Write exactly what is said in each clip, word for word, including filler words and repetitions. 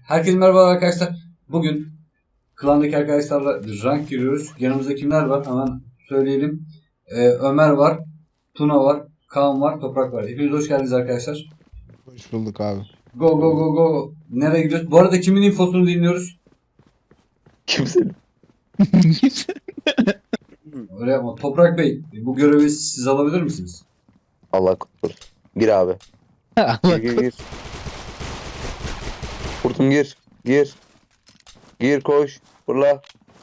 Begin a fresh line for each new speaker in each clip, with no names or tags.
Herkese merhaba arkadaşlar. Bugün klandaki arkadaşlarla rank giriyoruz. Yanımızda kimler var? Hemen söyleyelim. Ee, Ömer var, Tuna var, Kaan var, Toprak var. Hepiniz hoş geldiniz arkadaşlar.
Hoş bulduk abi.
Go go go go. Nereye gidiyoruz? Bu arada kimin infosunu dinliyoruz?
Kimsenin.
Öyle yapma. Toprak Bey, bu görevi siz alabilir misiniz?
Allah korusun. Gir abi. Gir
Allah
gir gir. Kurtum gir. Gir. Gir koş. Fırla.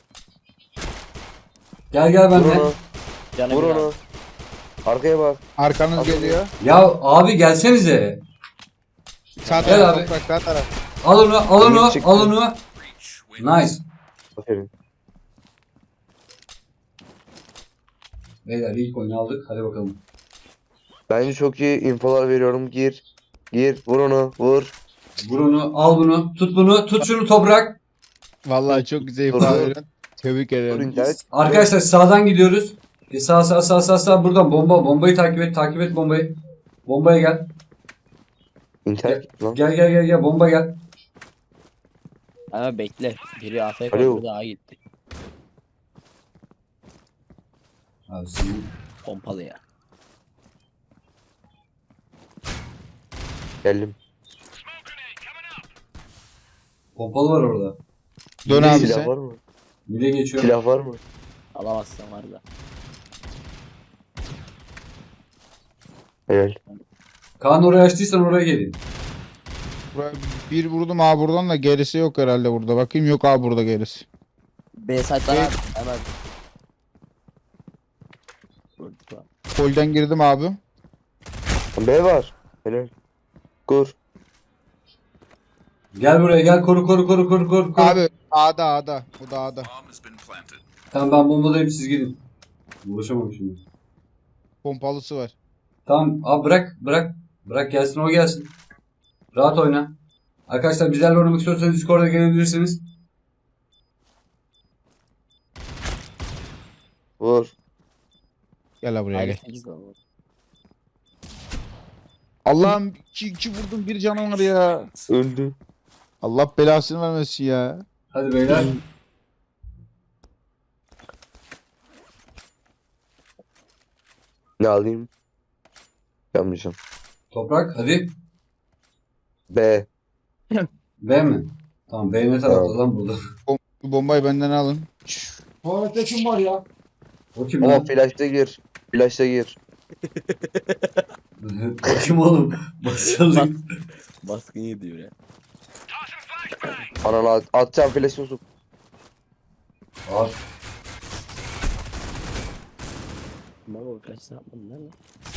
Gel gel
Vur
benimle.
onu.
Canım
Vur
ya.
onu. Arkaya bak.
Arkanız
Abi.
geliyor.
Ya abi gelsenize.
Sağ
Gel
taraf
abi.
toprak, sağ taraf.
Al onu, al onu,
Emir çıktı.
al onu. Nice.
Aferin.
Beyler ilk oyunu aldık. Hadi bakalım.
Bence çok iyi infolar veriyorum. Gir. Gir. Vur onu. Vur.
Vur onu, al bunu, tut bunu, tut şunu Toprak.
Vallahi çok güzel
Dur,
ifade
dur.
veriyorsun. Tebrik
Vur
ederim.
internet.
Arkadaşlar sağdan gidiyoruz. E sağ sağ sağ sağ sağ buradan bomba bombayı takip et takip et bombayı. Bombaya gel.
İnternet lan.
Gel gel gel gel bomba gel.
Ama bekle. Biri A F K
Alo.
öbürü daha gitti.
Abi senin
Pompalı ya.
Geldim.
pompalı var orada.
Dön abi
Silah
sen.
var mı?
Mide geçiyor.
Silah var mı?
Alamazsan var da.
Helal.
Kaan oraya açtıysan oraya gelin.
Buraya bir vurdum abi buradan da gerisi yok herhalde burada. Bakayım, yok abi burada gerisi.
B site'dan
B-
abi. Hemen. Vurduk lan.
Polden girdim abi.
B var. Helal. Kur.
Gel buraya gel koru koru koru koru koru. koru.
Abi A'da A'da. Bu da A'da.
Tamam ben bombadayım siz gidin. Ulaşamam şimdi.
Pompalısı var.
Tamam abi bırak bırak. Bırak gelsin o gelsin. Rahat oyna. Arkadaşlar bizlerle oynamak istiyorsanız Discord'a gelebilirsiniz.
Vur.
Gel abi buraya
Hayır,
gel.
sekiz lan bu.
Allah'ım iki, iki vurdum, bir canım var ya.
Öldü.
Allah belasını vermesin ya.
Hadi beyler.
Ne alayım? Yapmayacağım.
Toprak hadi.
B.
B mi? Tamam B ne tarafta
Evet.
lan burada?
Bu bombayı benden alın.
Tuvalette kim var ya? O kim
Ama
lan?
flash'ta gir. Flash'ta gir.
O kim oğlum? Başladık.
Baskın yediyor ya.
Ananı at atacağım flash'ı sok.
Abi,
Baba o kaç ne yapmadın lan?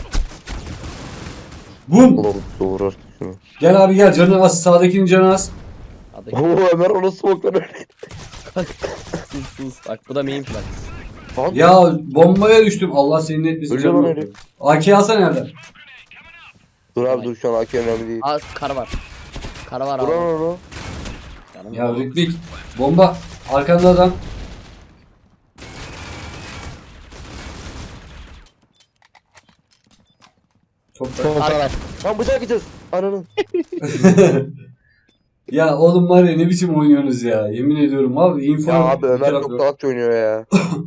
bum!
Ulan doğru artık şunu.
Gel abi gel canı az sağdakinin canı az.
Adı
Oo Ömer onu smoke'dan öyle.
sus sus. Bak bu da main flag.
Lan.
Ya bombaya düştüm. Allah senin etmesin
Ölüyor lan
canım.
herif.
A K alsana nereden?
Dur abi dur şu an A K önemli değil.
Aa kar var. Kar var
Dur
abi.
lan onu.
Canım
Ya ritmik. Bomba. Arkanda adam. Çok
Sol taraf.
Lan bıçak gideceğiz. Ananı.
Ya oğlum var ya ne biçim oynuyorsunuz ya. Yemin ediyorum abi. Info
Ya
yok,
abi
bir
Ömer
taraf
çok
yok.
salakça oynuyor ya.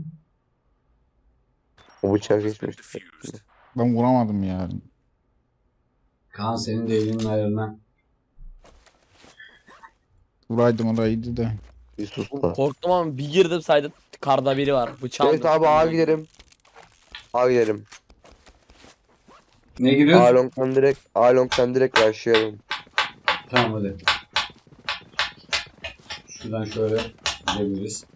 O bıçak geçmiş.
Ben vuramadım ya.
Kaan senin de elinin ayarına.
Vuraydım orayıydı da.
Bir sus da.
Korktum ama bir girdim saydım. Karda biri var. Bıçağım.
Evet abi A gidelim. A gidelim.
Ne
A
giriyoruz?
long'dan direkt A long'dan direkt başlayalım.
Tamam hadi. Şuradan şöyle gidebiliriz.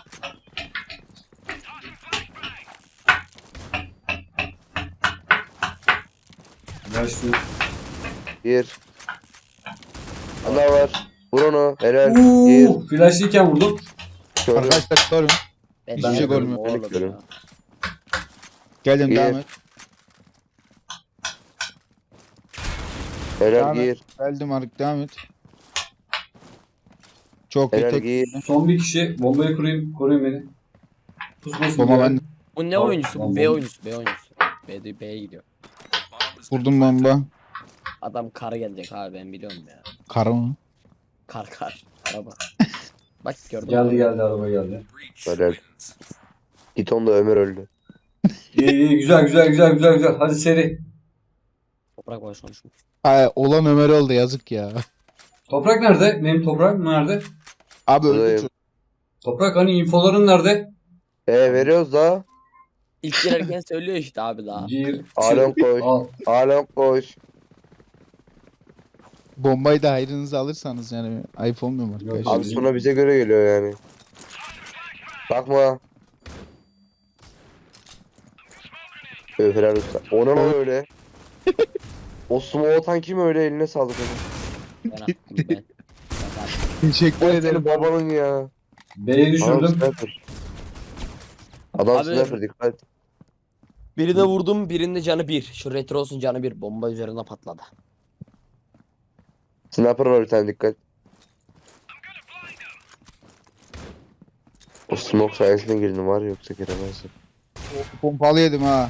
Ver şunu.
Gir. Ana var. Vur onu. Helal. Gir.
Uuu, flashlıyken vurdum.
Şöyle.
Arkadaşlar sorun.
Ben
Hiçbir
de
şey
yapıyorum
görmüyorum.
oğlum
Görüyorum.
ya.
Geldim,
İyi.
devam et.
Helal
Devam et.
gir.
Geldim artık, devam et. Çok iyi
Helal
tek.
gir.
Son bir kişi. Bombayı kurayım. Koruyun beni. Pusmasın.
Bomba
diye.
bende.
Bu ne
Tamam,
oyuncusu?
tamam,
Bu B
tamam.
oyuncusu. B oyuncusu. B'de B'ye gidiyor.
Vurdum bomba.
Adam kara gelecek abi ben biliyorum ya.
Karı mı?
Kar kar. Araba. Bak gördün
Geldi
mü?
geldi araba geldi.
Helal. Git onda Ömer öldü.
İyi iyi güzel güzel güzel güzel güzel. Hadi seri.
Toprak boş konuşmuş.
Ay, olan Ömer oldu yazık ya.
Toprak nerede? Benim toprak nerede?
Abi öldü
Buradayım.
çocuk.
Toprak hani infoların nerede?
E veriyoruz da.
İlk girerken söylüyor işte abi daha.
Gir.
Alon
çık,
koş.
Al.
Alon koş.
Bombayı da hayrınıza alırsanız yani ayıp olmuyor mu
Yok
arkadaşlar?
Abi sonra bize göre geliyor yani. Bakma. Öf helal olsun. O ne lan öyle? O smoke atan kim öyle, eline sağlık onun.
Ben attım ben.
Teşekkür
O
ederim.
senin babanın ya.
B'yi
Adam
düşürdüm.
sniper. Adam
Abi-
sniper dikkat.
Birine vurdum, birinde canı bir. Şu retrosun canı bir. Bomba üzerine patladı.
Sniper var bir tane, dikkat. O smoke sayesinde girdim var ya, yoksa giremezdim.
Pompalı yedim ha.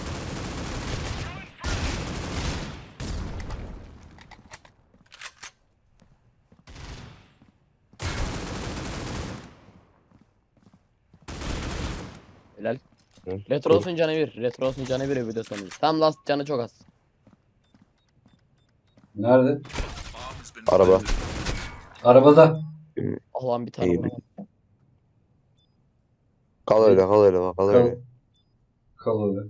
Helal.
Hı.
Retrosun canı bir. Retrosun canı bir bir de sonuncu. Tam last canı çok az.
Nerede?
Araba.
Arabada.
Allah'ım bir tane
İyi.
vuramadım.
Kal öyle, kal öyle bak, kal
Kal.
öyle.
Kal orada.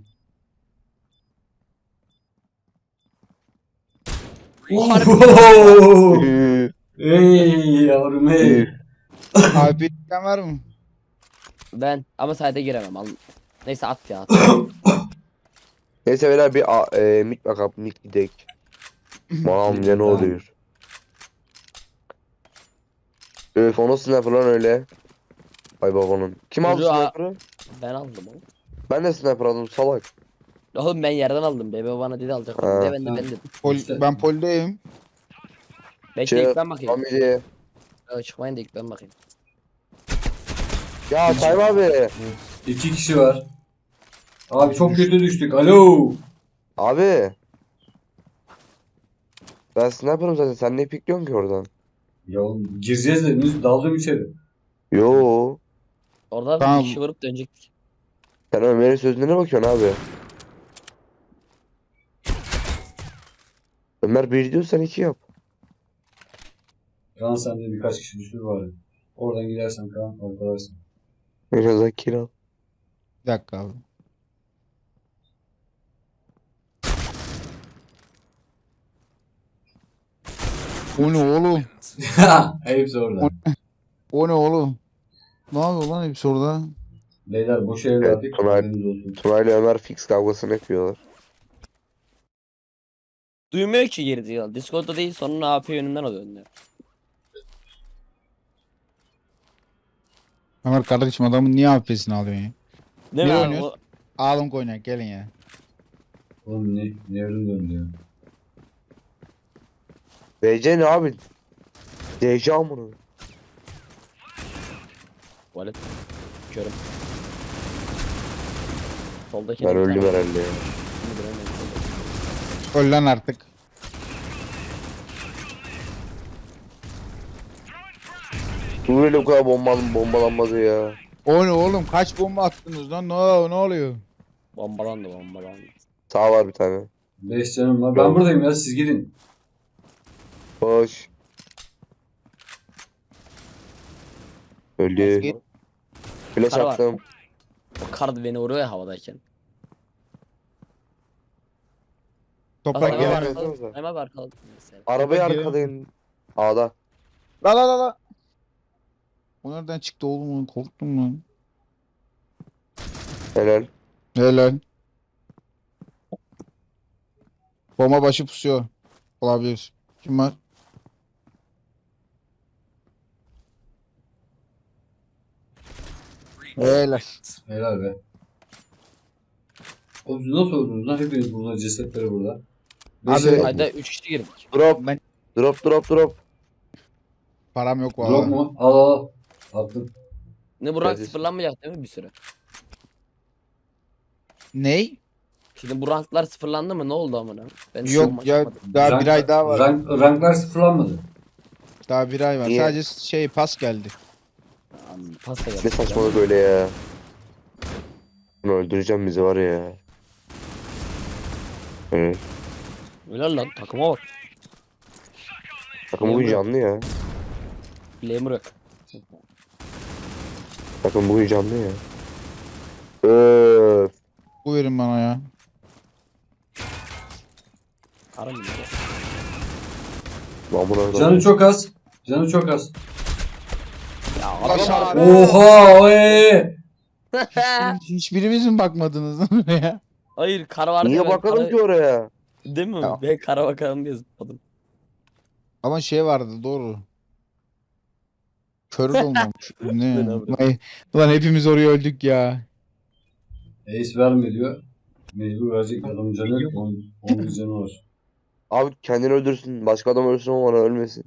Harbi.
Ohohoho!
Üü,
Ey yavrum ey.
üü.
Abi bir isteyen var mı?
Ben ama sayda giremem. Al. Neyse at ya at.
Neyse beyler bir a- e, mik bakalım, mik gidek. Mam ya ne
Tamam.
oluyor? Öf, o nasıl sniper lan öyle? Ay babanın. Kim aldı
Çocuğu a-
sniper'ı?
Ben aldım oğlum.
Ben de sniper aldım salak.
Oğlum ben yerden aldım. Bebe bana dedi alacak.
Ha.
De ben de
Ha.
ben dedim.
Pol,
İşte.
ben poldeyim.
Bekle
Çık.
ilk ben bakayım.
Family.
Ya, çıkmayın da ilk ben bakayım.
Ya Tayyip abi.
İki kişi var. Abi çok kötü düştük. Alo.
Abi. Ben sniper'ım zaten, sen ne pikliyorsun ki oradan?
Ya oğlum, gireceğiz dediniz. Daldım içeri.
Yo.
Orada
Tamam.
bir kişi vurup dönecektik.
Sen Ömer'in sözüne ne bakıyorsun abi? Ömer bir diyor, sen iki yap.
Kaan sende birkaç kişi düşür var. Oradan gidersen Kaan arkadaşsın.
Biraz daha kill.
Bir dakika abi. O ne oğlum?
Hepsi orada.
O ne oğlum? Ne yapıyor lan hepsi orada?
Beyler boş ev
Evet,
verdik.
Tunay.
Haberiniz olsun.
Tuna ile Ömer fix kavgasını yapıyorlar.
Duymuyor ki girdi ya. Discord'da değil sonra A P yönünden oluyor. önüne.
Ömer kardeşim adamın niye A P'sini alıyorsun ya?
Değil
Ne
mi abi?
oynuyorsun?
O-
Ağlım oynayak gelin ya.
Oğlum ne? Nevrim döndü ya.
D C ne abi? D C amına.
Tuvalet. Körüm. Soldaki
Ben
bir
öldüm
tane-
herhalde ya.
Şimdi göremedim.
Öl lan artık.
Böyle bu kadar bombalan bombalanmadı ya.
O ne oğlum? Kaç bomba attınız lan? Ne, ne oluyor?
Bombalandı bombalandı.
Sağ var bir tane.
Beş canım var. Ben
Yok.
buradayım ya siz gidin.
Boş. Öldü.
Git.
Flash
Kara var.
attım.
O kar beni vuruyor ya havadayken.
Toprak
Bak,
gelen.
gelen-
arkaladım. Hemen arkaladım. Mesela.
Arabayı
Bak,
arkadayım. A'da.
La la la la. O nereden çıktı oğlum? Korktum lan.
Helal.
Helal. Bomba başı pusuyor. Olabilir. Kim var? Helal.
Helal be. Oğlum siz nasıl öldünüz lan? Hepiniz burada, cesetleri burada. Beş
Abi-
el-
Hayda üç kişi girdik.
Drop.
Ben
Drop drop drop.
param yok
Drop
valla.
mu? Al al. Attım.
Ne bu rank
Evet.
sıfırlanmayacak değil mi bir süre?
Ney?
Şimdi bu ranklar sıfırlandı mı? Ne oldu amına? Ben
Yok
maç
ya
yapmadım.
daha
Rank-
bir ay daha var.
Rank, ranklar sıfırlanmadı.
Daha bir ay var.
Niye?
Sadece şey pas geldi.
Am, Pasta geldi.
Ne saçmalık öyle ya. Bunu öldüreceğim bizi var ya. Evet.
Öyle lan takıma bak.
Takım bugün canlı ya.
Bileğimi bırak.
Takım bugün canlı ya. Öf.
Bu verin bana ya.
Aram bunları.
Lan buna
Canı çok az. Canı çok az.
Ya
Aşağı-
abi.
Oha oy.
Hiçbirimiz mi bakmadınız ya?
Hayır kara vardı
Niye
ya, ben
bakalım
kara-
ki oraya?
Değil mi?
Ya.
Ben kara bakalım diye zıpladım.
Ama şey vardı doğru. Kör de olmamış.
Ben
Ne?
abi.
Ulan, ulan hepimiz oraya öldük ya.
Ace verme diyor. Mecbur verecek adamın canı yok. Onun, onun bir canı var.
Abi kendini öldürsün. Başka adam ölsün ama ona ölmesin.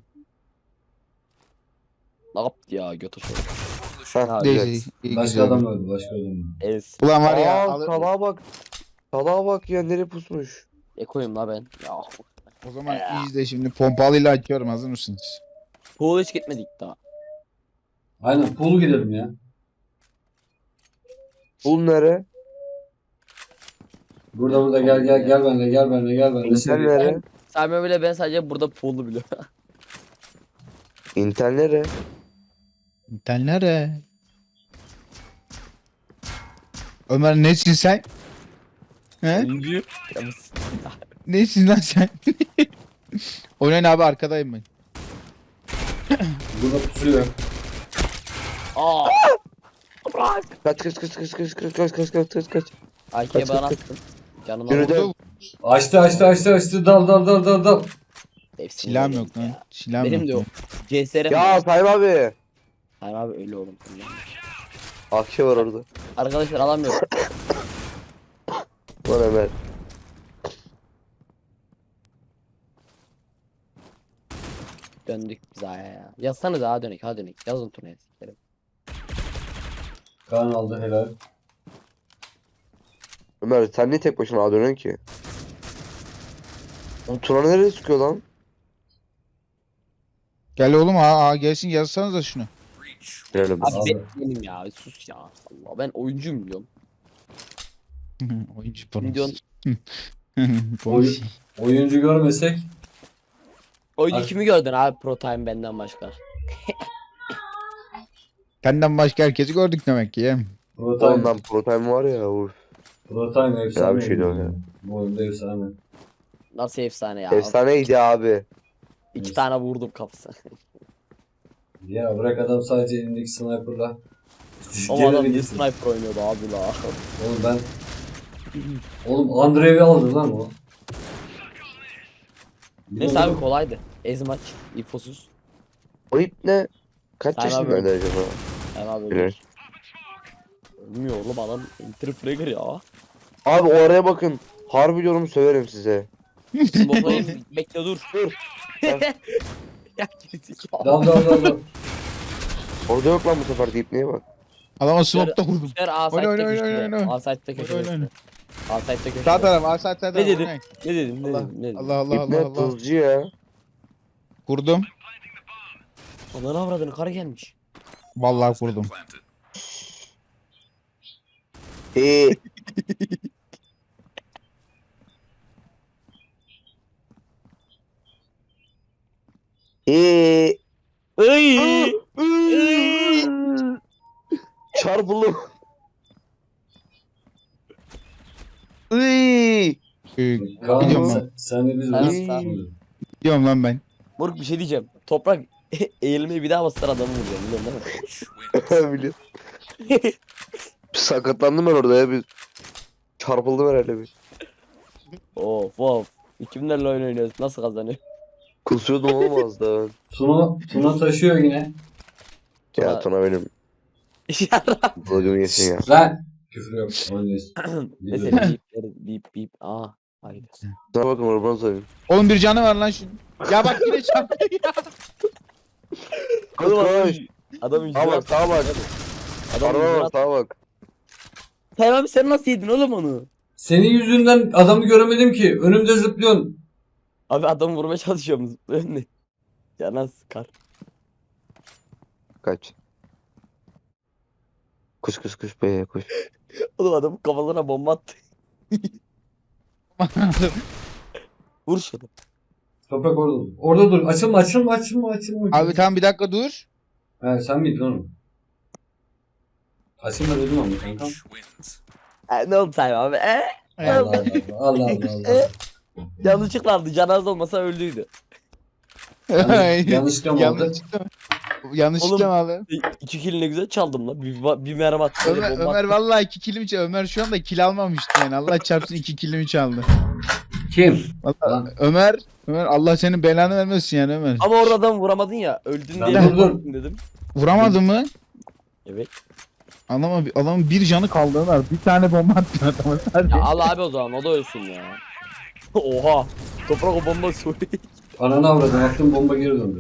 Ne yaptı ya götü şöyle.
Heh,
Ha,
güzel.
Neyse. iyi
Başka
güzel.
adam öldü. Başka adam öldü.
Ez.
Ulan var ya.
Aa,
al-
salağa bak. Salağa bak ya nereye pusmuş.
Ekoyum la ben. Ya.
o zaman izle şimdi pompalıyla açıyorum, hazır mısınız?
Pool hiç gitmedik daha.
Aynen pool gidelim ya.
Bul nere?
Burada burada gel gel gel benimle gel benimle gel benimle.
İnter
Seni-
nere?
Sadece bile ben sadece burada pool'u biliyorum.
İnter nere?
İnter nere? Ömer nesin sen? He?
Oyuncu. Ya biz-
Nesin lan sen? Oynayın abi, arkadayım ben.
Burada pusuyor.
Aa. Bırak.
Kaç kaç kaç kaç kaç kaç kaç kaç kaç kaç kaç.
A K'ye
Kaç,
bana
kaç,
attın. Canını
Yürü
aldım.
de.
Vurdu.
Açtı açtı açtı açtı. Dal dal dal dal dal.
Hepsini
Silahım
yedim
yok lan.
ya.
Silahım
Benim
yok.
de yok. C S R mi?
Ya Sayın abi.
Hayır abi öyle oğlum.
A K var orada.
Arkadaşlar alamıyorum.
Lan Ömer.
Döndük biz aya ya. Yazsanız daha dönük ha dönük. Yazın turnaya sikerim.
Kaan aldı helal.
Ömer sen niye tek başına A dönüyorsun ki? Oğlum Tuna nereye sıkıyor lan?
Gel oğlum, aa, aa gelsin, yazsanıza şunu.
Girelim.
Abi
Abi.
ben benim ya sus ya. Allah ben oyuncuyum biliyorum.
Oyuncu
Milyon-
Oyun, oyuncu görmesek
Oyuncu
Abi-
kimi gördün abi Pro Time benden başka?
Benden başka herkesi gördük demek ki ya.
Protime,
Ondan Pro Time var ya. Uf.
Protime efsane.
bir şeydi o
oyuncu
ya.
Bu oyunda efsane.
Nasıl efsane ya.
Efsaneydi abi.
İki tane vurdum kafasına.
Ya bırak adam sadece elindeki sniper'la.
O
Geleni
adam bir
getir.
sniper oynuyordu abi la.
Oğlum ben Oğlum Andrev'i aldı lan o.
Neyse abi kolaydı. Ezmaç, infosuz.
O ip ne? Kaç
Sayın abi
yaşındaydı acaba?
Yani abi
Bilir.
ölmüyor oğlum adam interfragger ya.
Abi oraya bakın. Harbi diyorum söverim size.
Smoke'layın bekle dur.
Dur.
Ya gerizekalı.
Dal dal dal dal.
Orada yok lan bu sefer deyip neye bak.
Adama smoke'ta vurdum.
Ver A
Oyna, oyna,
site'de
oyna, oyna,
köşede.
oyna.
A site'de
Oyna, oyna,
köşede.
oyna.
A site'de köşede.
Sağ taraf, aa, sağ taraf.
Ne dedim?
oynayın.
Ne dedim? Ne
Allah
dedim? Ne dedim?
Allah Allah
İp ne?
Allah Allah.
Tuzcu ya.
Kurdum.
Ananı avradını karı gelmiş.
Vallahi kurdum.
Eee. Eee.
Iy!
Çarpıldım. Iy.
Ee,
Kaan
Gidiyorum
sen,
ben.
sen de biz
Ben
biz-
sağ-
Gidiyorum lan ben.
Moruk bir şey diyeceğim. Toprak eğilmeyi bir daha bastılar adamı vuruyor biliyorsun değil mi?
Biliyorum. Sakatlandım ben orada ya bir. Çarpıldım herhalde bir.
Of of. Kimlerle oyun oynuyoruz? Nasıl kazanıyor?
Kusuyordum oğlum az daha.
Tuna, Tuna taşıyor yine.
Ya
Tuna-
Tuna benim.
Yarram.
Bılgımı yesin ya.
Lan! Küfür yok. Oynuyoruz.
Mesela bip bip bip. Aa. Haydi.
Sana bakın oradan sayayım.
Oğlum bir canı var lan şunun. Ya bak yine çarptı ya.
Koş koş.
Adam
Sağa bak sağa bak.
Adam
Araba bak sağa bak.
Sen abi sen nasıl yedin oğlum onu?
Senin yüzünden adamı göremedim ki. Önümde zıplıyorsun.
Abi adamı vurmaya çalışıyorum zıplıyor ne? Canan sıkar.
kaç. Kuş kuş kuş be kuş.
Oğlum adam kafalarına bomba attı. Vur şunu.
Toprak orada dur. Orada dur. Açılma açılma açılma açılma.
Abi tamam bir dakika dur.
He sen miydin oğlum? Açılma dedim ama kankam.
E, ne oldu Sayın abi? E,
Allah Allah Allah Allah Allah.
e, yanlışlıkla aldı. Canaz olmasa öldüydü.
Yanlış- yanlışlıkla mı oldu?
Yanlışlıkla mı? Yanlışlıkla mı abi?
E, İki kill ne güzel çaldım lan. Bir, bir mermi attı. böyle
Ömer,
bomba
Ömer
attı.
vallahi iki kilimi çaldı. Ömer şu anda kil almamıştı yani. Allah çarpsın iki kilimi çaldı.
Kim?
Vallahi
Lan.
Ömer, Ömer Allah senin belanı vermesin yani Ömer.
Ama orada adam vuramadın ya. Öldün
Lan
diye
dur,
bomba
dur.
attın dedim.
Vuramadın mı?
Evet.
Adama, adamın bir canı kaldı Ömer. Bir tane bomba attın adama sadece.
Ya al abi o zaman o da ölsün ya. Oha. Toprak o bomba soruyor.
Ananı avradım. Attım bomba geri döndü.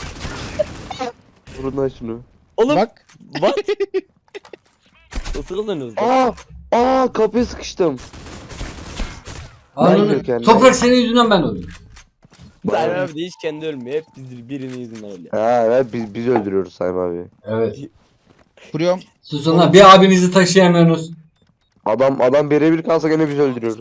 Vurun lan şunu.
Oğlum bak.
Bak.
Nasıl kazanıyoruz lan?
Aa! Aa kapıya sıkıştım.
Ananı.
yok yani.
Toprak senin yüzünden ben öldüm.
Sayın abi de hiç kendi ölmüyor. Hep biz birinin yüzünden ölüyor.
Ha evet biz, biz öldürüyoruz Sayın abi.
Evet.
Kuruyorum.
Susun lan. Bir abinizi taşıyamıyorsunuz.
Adam adam birebir kalsa gene biz öldürüyoruz.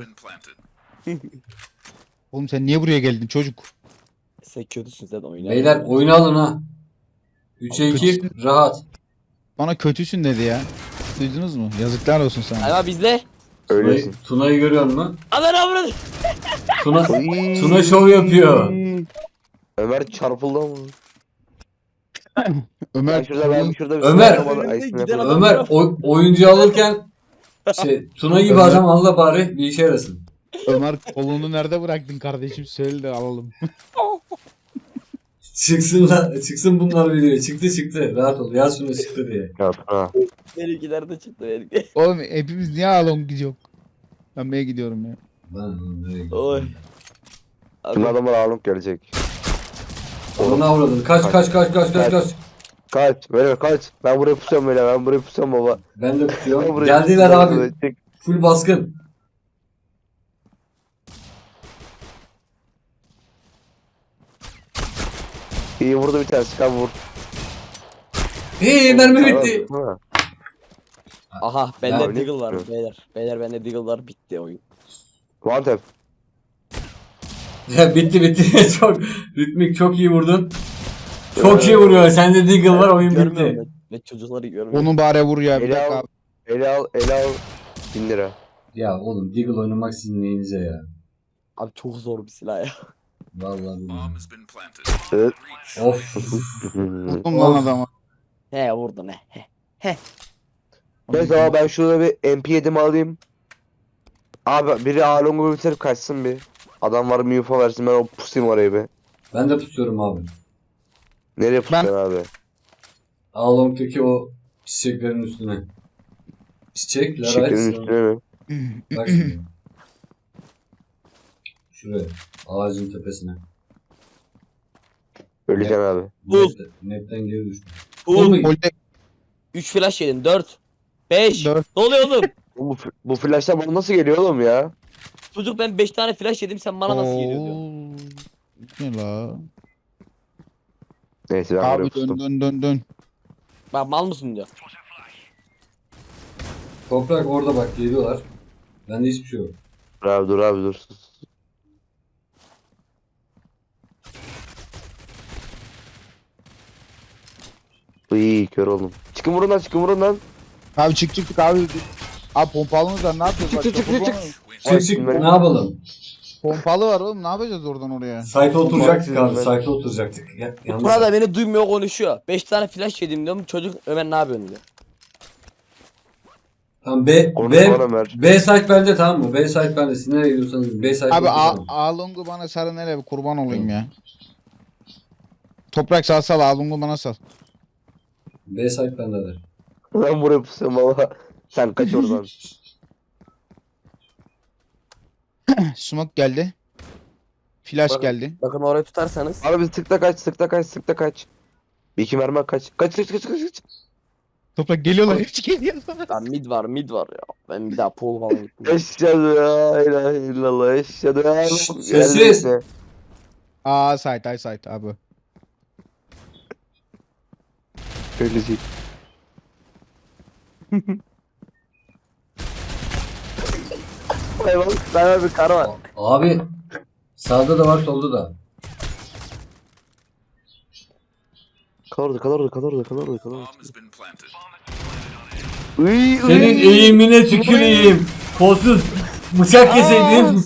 Oğlum sen niye buraya geldin çocuk?
Sen kötüsün sen oyna.
Beyler oyunu alın ha. üçe iki rahat.
Bana kötüsün dedi ya. Duydunuz mu? Yazıklar olsun sana.
Sayın abi bizle.
Öylesin.
Tuna'yı, Tuna'yı görüyor musun?
Aman avradı.
Tuna,
Oy.
Tuna şov yapıyor.
Ömer çarpıldı ama.
Ömer
Ben şurada ben şurada bir
Ömer.
sniper bana- ay,
Önünde
sniper
giden
bana-
adam-
Ömer o, oyuncu alırken şey Tuna gibi
Ömer.
adam al da bari bir işe yarasın.
Ömer kolunu nerede bıraktın kardeşim? Söyle de alalım.
Çıksın la, çıksın bunlar videoya. Çıktı çıktı. Rahat ol. Yaz şunu çıktı diye.
Ya, ha.
Benimkiler de çıktı benimki.
Oğlum hepimiz niye alon gidiyor? Ben B'ye gidiyorum ya.
Lan nereye gidiyorsun?
Oy.
Şimdi
Abi,
adamlar ağırlık gelecek.
Onu avradın. Kaç kaç kaç kaç kaç kaç.
Kaç böyle kaç. Ben buraya pusuyorum böyle ben buraya pusuyorum baba.
Ben de
Ben
tutuyorum.
buraya
Geldiler
pusuyorum,
abi.
böyle. Çık.
Full baskın.
İyi vurdu bir tane sıkan vur.
Hey mermi bitti.
Ha.
aha bende
Ya,
Deagle
ne-
var beyler. Beyler bende Deagle var bitti oyun.
One tap.
Ya bitti bitti. Çok ritmik çok iyi vurdun. Çok iyi vuruyor. Sende Deagle var oyun
Görmüyorum
bitti.
ben. Ve çocukları görmüyorum.
Onu bari vur ya bir
Ele
dakika.
al. Ele al. Ele al. Bin lira.
Ya oğlum Deagle oynamak sizin neyinize ya.
Abi çok zor bir silah ya.
Vallahi billahi.
Evet.
Of.
Vurdum lan
Of.
adama.
He vurdu ne? He.
Neyse ama ben şurada bir M P yedimi alayım. Abi biri Along'u bitirip kaçsın bir. Adam var mı info versin ben o pusayım oraya bir.
Ben de pusuyorum abi.
Nereye pusacaksın abi?
Along'daki o çiçeklerin üstüne. Çiçekler
Şekerin
açsın.
üstüne mi?
Bak şimdi. Şuraya. Ağacın tepesine.
Öleceksin abi.
Bul.
Net, netten geri düştüm.
Oğlum
Oğlum,
Polde
üç flash yedin dört. beş.
Dört.
Ne oluyor oğlum?
Bu, bu flashlar bana nasıl geliyor oğlum ya?
Çocuk ben beş tane flash yedim sen bana nasıl geliyor diyor.
Ne la?
Neyse ben
Abi
buraya
dön
pustum.
dön dön dön.
Bak mal mısın diyor.
Toprak orada bak geliyorlar. Bende hiçbir şey yok.
Dur abi dur abi dur. sus. İyi kör oldum. Çıkın vurun lan çıkın vurun lan.
Abi çık çık çık abi. Abi pompalımız var ne yapacağız?
Çık,
Bak,
çık, çık,
kurban
çık.
olayım.
Çık çık
ben-
ne yapalım?
Pompalı var oğlum ne yapacağız oradan oraya?
Site'e oturacaktık abi.
ben-
Site'e oturacaktık. Ya, yalnız
Burada beni duymuyor konuşuyor. beş tane flash yedim diyorum. Çocuk Ömer ne yapıyorsun diyor.
Tamam B,
Onu
B,
bana ver.
B site bende tamam mı? B site bende. Siz nereye gidiyorsanız B site
Abi
oturalım.
A- Alung'u bana sarı nereye bir kurban olayım ya. Toprak sal sal Alung'u bana sal.
B site bende de.
Ben buraya pusuyorum baba. Sen kaç oradan.
Smoke geldi. Flash
Bak-
geldi.
Bakın orayı tutarsanız.
Abi sıkta kaç sıkta kaç sıkta kaç. Bir iki mermi kaç. Kaç kaç kaç kaç kaç.
Toprak geliyorlar hepsi geliyorlar.
Lan mid var mid var ya. Ben bir daha pol falan gittim.
Eşhedü la ilahe illallah. Eşhedü la
Sessiz.
Aa site ay site abi.
Öyle değil. Hayvan, ben bir kara var.
Abi sağda da var solda da.
Kal orada, kal orada, kal orada, kal orada, kal orada. Uy,
Senin
uy.
eğimine tüküreyim. Kolsuz bıçak keseydin.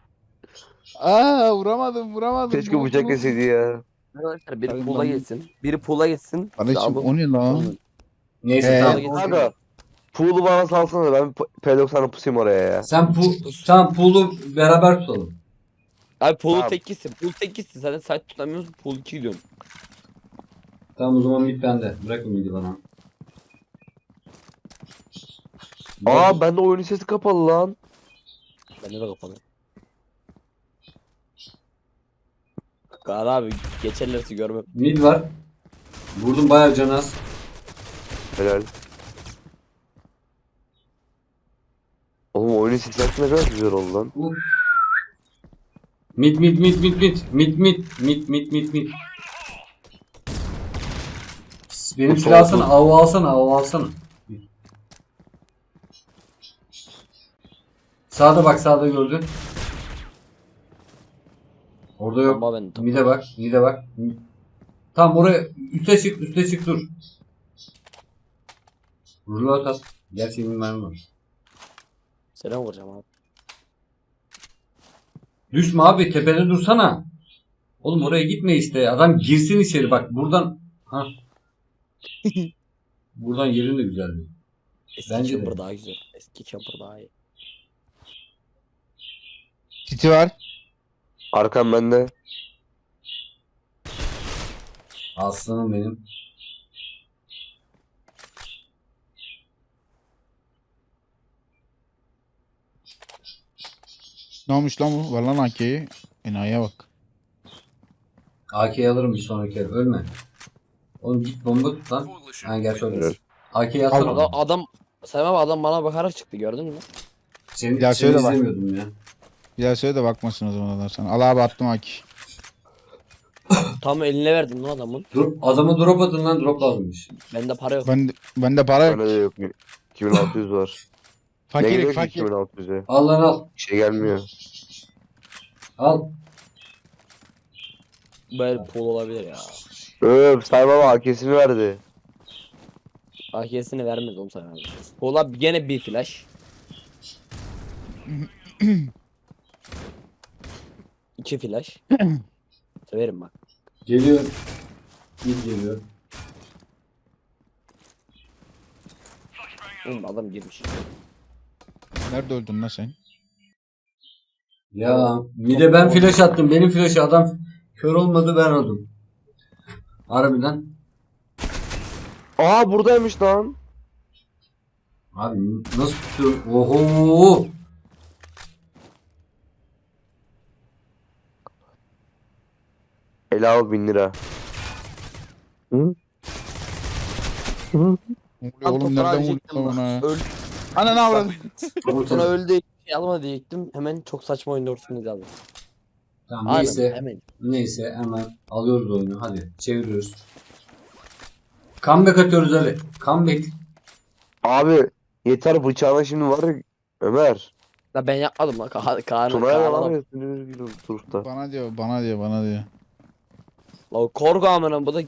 Aa vuramadım vuramadım.
Keşke
Vurdum,
bıçak
vurdum.
yeseydi ya.
Arkadaşlar biri
Tabii
pool'a
lan.
geçsin. Biri pool'a geçsin.
Kardeşim
Abi,
o ne lan?
onun-
Neyse
Ee,
tamam.
Gitsin.
Kanka, pool'u bana salsana, ben P doksan'a pusayım oraya ya.
Sen pu tamam pool'u beraber tutalım.
Abi pool'u
Tamam.
tek gitsin. Pool tek gitsin. Zaten site tutamıyorsun. Pool iki gidiyorsun.
Tamam o zaman mid bende. Bırakın midi bana.
Aa, bende oyunun sesi kapalı lan.
Bende de kapalı. Kaan abi geçerlerse görmem.
Mid var. Vurdum bayağı can az.
Helal. Oğlum oyunun sesi ne kadar güzel oldu lan.
Uf. Mid mid mid mid mid mid mid mid mid mid mid. Benim
Çok
silah alsana,
oldu.
av alsana, av alsana. Sağda bak, sağda gördün. Orada yok.
Ama ben
Mide bak, mide bak. Tamam oraya üste çık, üste çık dur. Rulo at. Gerçi benim mermim var.
selam vuracağım abi.
Düşme abi, tepede dursana. Oğlum oraya gitme işte. Adam girsin içeri bak. Buradan ha. Buradan yerin de güzeldi.
Eski
Bence de.
camper daha güzel. Eski camper daha iyi.
Titi var.
Arkam bende.
Aslanım benim.
Ne olmuş lan bu? Var lan A K'yi. Enayi'ye bak.
A K'yi alırım bir sonraki el. Ölme. Oğlum git bomba tut lan. Ha gerçi öyle. A K'yi atsana.
Adam, adam Sayın abi adam bana bakarak çıktı gördün mü?
Seni,
Ya
seni
söyle bak.
izlemiyordum ya.
Bir daha söyle de bakmasın o zaman adam sana. Al abi attım A K.
Tam eline verdim lan adamın.
Dur, adamı drop atın lan, drop lazımmış.
Bende para yok.
Ben bende para yok.
Bende de yok. iki bin altı yüz var. Ne
Fakirik
geliyor ki
fakir.
iki bin altı yüze?
Al lan al.
Bir şey gelmiyor.
Al.
Böyle pool olabilir ya.
Öp, Sayın Baba A K'sini verdi.
A K'sini vermez oğlum sana abi. Pool'a gene bir flash. İki flash. Severim bak.
Geliyor. Mid geliyor.
Oğlum adam girmiş.
Nerede öldün lan sen?
Ya mide ben flash attım. Benim flash'ı adam kör olmadı, ben oldum. Harbiden.
Aa, buradaymış lan.
Abi nasıl tutuyor? Oho.
Ele al bin lira. Hı? Hı?
Ne oluyor
Tam
oğlum
toprağa
nereden
diyecektim
vurdun
bak.
ona?
Öl.
Ana ne avradın?
Sonra
Ortada.
öldü. Şey alma diyecektim. Hemen çok saçma oyunda ortasını aldım.
Tamam
Aynen,
neyse.
hemen.
Neyse hemen alıyoruz oyunu. Hadi çeviriyoruz. Comeback atıyoruz Ali. Comeback.
Abi yeter, bıçağına şimdi var ya Ömer.
La ben yapmadım lan. Ka Kaan
Tuna'ya
Kaan
yalan
adam.
ya sinir gibi duruşta.
Bana diyor bana diyor bana diyor.
La korku amına bu da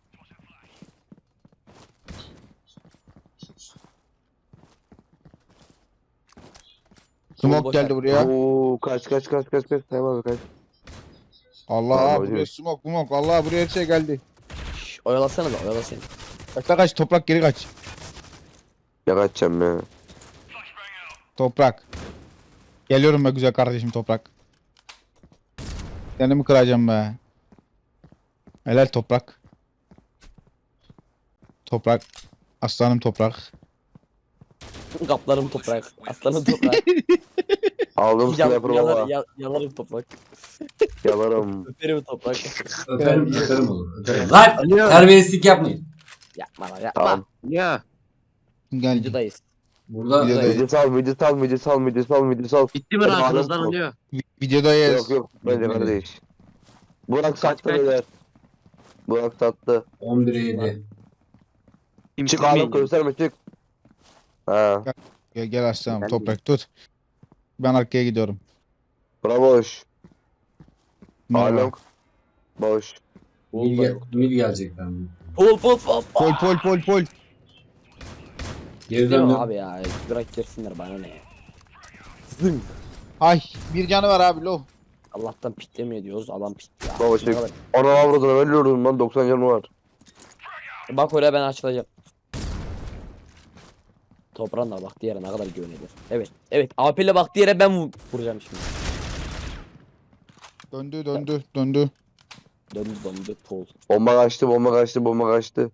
Smoke
boş
geldi
ver.
buraya.
Oo, kaç kaç kaç kaç kaç Sayın abi kaç.
Allah
Tamam,
buraya
hocam.
smoke smoke. Allah buraya her şey geldi.
Şş, oyalasana da oyalasana.
Kaç la kaç toprak geri kaç.
Ya kaçacağım ya.
Toprak. Geliyorum be güzel kardeşim toprak. Seni mi kıracağım be? Helal toprak. Toprak. Aslanım toprak.
Kaplarım toprak. Aslanım toprak.
Aldım
Yal,
sniper
yalar,
baba.
yal, yalarım toprak.
Yalarım.
Öperim toprak.
Öperim, öperim olur. Öperim. Lan terbiyesizlik yapmayın.
Yapma lan yapma.
Tamam.
Ya
Gel.
Videodayız.
Burada
Bir de-
Midi sal midi sal midi sal midi sal midi sal.
bitti mi
Benim
arkanızdan
alem
oluyor?
Vi- Videodayız.
Yok yok bence
Bitmedi.
kardeş. Burak sattı
kaç?
beyler. Burak sattı.
on bire yedi.
Çık
Kimseyi
abi gösterme çık. Ha.
Gel gel aslanım
Ben
toprak tut. Ben arkaya gidiyorum.
Bura boş.
Merhaba.
Along. Boş.
Pol
Mil,
da
gel,
yok.
mil gelecekler.
Pol pol pol.
Pol pol pol pol.
Geri
Değil mi
döndüm.
abi ya? Bırak girsinler bana ne ya. Zın.
Ay bir canı var abi lo.
Allah'tan piklemiyor diyoruz. Adam pikli. ya.
Baba
Ne
çık.
kadar-
Ana avradına ben ölüyordum lan doksan canım var.
Bak oraya ben açılacağım. Toprağın da bak diğere ne kadar güvenilir. Evet. Evet. A P ile bak diğere ben vur- vuracağım şimdi.
Döndü döndü döndü.
Döndü döndü pol.
Bomba kaçtı bomba kaçtı bomba kaçtı.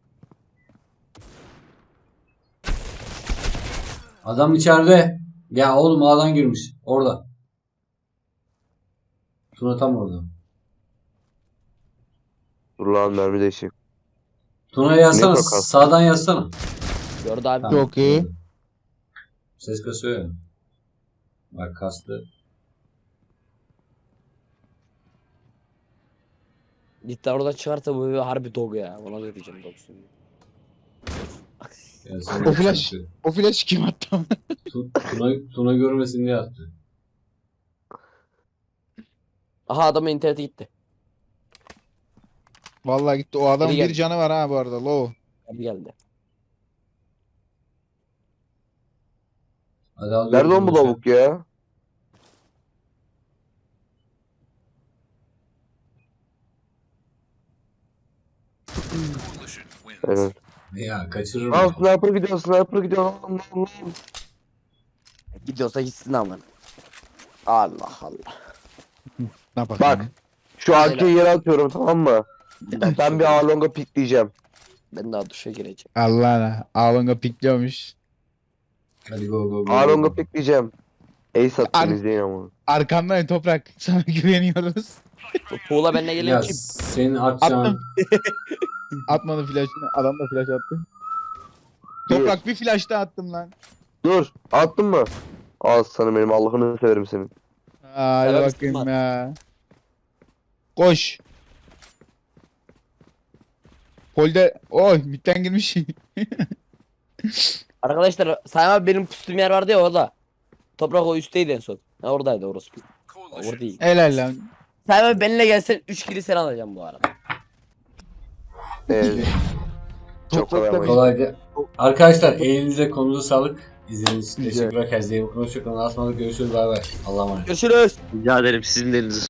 Adam içeride. Ya oğlum ağdan girmiş. Orada. Tuna tam orada.
Dur lan mermi değişik.
Tuna'ya yazsana.
Ne bakalım?
Sağdan yazsana.
Gördü abi.
Tamam,
Çok iyi.
gördüm. Ses kasıyor ya. Bak kastı.
Cidden orada çıkarsa bu bir harbi dog ya. Ona da diyeceğim dogsun.
Yani sen
O flash.
de-
O flash kim attı?
Tu- Tuna, Tuna görmesin diye attı.
Aha adamın interneti gitti.
Vallahi gitti. O adamın
Geri
bir
geldi.
canı var ha bu arada lo.
Abi geldi.
Hadi al
Nerede
götür
lan bu
sen.
lavuk ya? Evet.
Ya kaçırırım.
Al
ya.
sniper gidiyor sniper gidiyor. Allah Allah.
Gidiyorsa gitsin ama. Allah Allah.
Ne yapalım?
Bak. Şu arkeyi yere atıyorum tamam mı?
Ben daha,
Ben bir Along'a pikleyeceğim.
ben daha duşa gireceğim.
Allah Allah. Avanga pikliyormuş.
Hadi go go go.
Along'a pikleyeceğim. Ace
Ar-
attım izleyin ama.
Arkandayım toprak. Sana güveniyoruz.
Bu Poğla benimle
Ya
geliyor ki.
senin atacağın.
Attım. Atmadı flash'ını. Adam da flash attı.
Bir.
Toprak bir flash daha attım lan.
Dur attın mı? Al sana benim Allah'ını severim senin.
Hadi
Selam
bakayım
Müslüman.
ya. Koş. Polde. Oy bitten girmiş.
Arkadaşlar Sayın abi benim pustuğum yer vardı ya orada. Toprak o üstteydi en son. Ha, oradaydı orası. Orada değil.
Helal lan.
Sayın abi benimle gelsen üç kili sen alacağım bu arada.
Ee, çok
Toprak
kolay
da-
ama.
Kolay Arkadaşlar elinize konuza sağlık. İzlediğiniz için
Güzel.
teşekkürler. Kendinize iyi bakın. Hoşçakalın. Asmalık görüşürüz. Bay bay. Allah'a emanet.
Görüşürüz.
Rica ederim sizin de elinize